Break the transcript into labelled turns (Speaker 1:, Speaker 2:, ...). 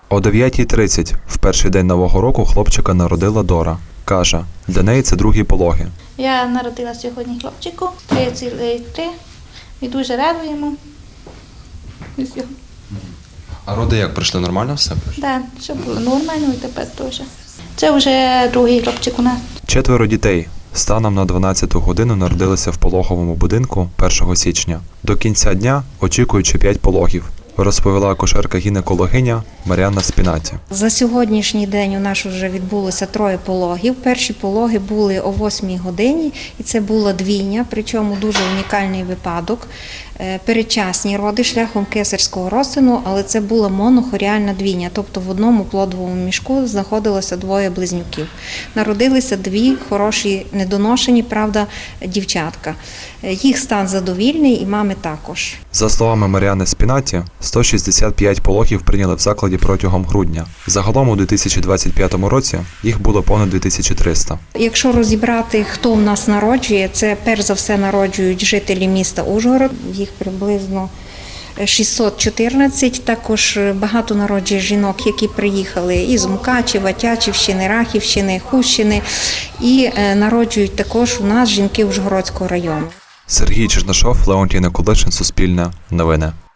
Speaker 1: О 9:30 в перший день Нового року хлопчика народила Дора. Каже, для неї це другі пологи.
Speaker 2: Я народила сьогодні хлопчику, 3,3. Ми дуже радуємо.
Speaker 1: А роди як пройшли? Нормально все?
Speaker 2: Так, все було нормально і тепер теж. Це вже другий хлопчик у нас.
Speaker 1: 4 дітей станом на 12-ту годину народилися в пологовому будинку 1 січня. До кінця дня очікуючи 5 пологів, розповіла акушерка-гінекологиня Мар'яна Спінаті.
Speaker 3: За сьогоднішній день у нас вже відбулося 3 пологів. Перші пологи були о 8 годині, і це була двійня, причому дуже унікальний випадок. Передчасні роди шляхом кесарського розтину, але це була монохоріальна двійня, тобто в одному плодовому мішку знаходилося 2 близнюків. Народилися 2 хороші, недоношені, правда, дівчатка. Їх стан задовільний і мами також.
Speaker 1: За словами Мар'яни Спінаті, 165 пологів прийняли в закладі протягом грудня. Загалом у 2025 році їх було понад 2300.
Speaker 3: Якщо розібрати, хто в нас народжує, це перш за все народжують жителі міста Ужгород. Їх приблизно 614. Також багато народжує жінок, які приїхали із Мукачева, Тячівщини, Рахівщини, Хустщини. І народжують також у нас жінки Ужгородського району.
Speaker 1: Сергій Чернишов, Леонтій Николишин, Суспільне, Новини.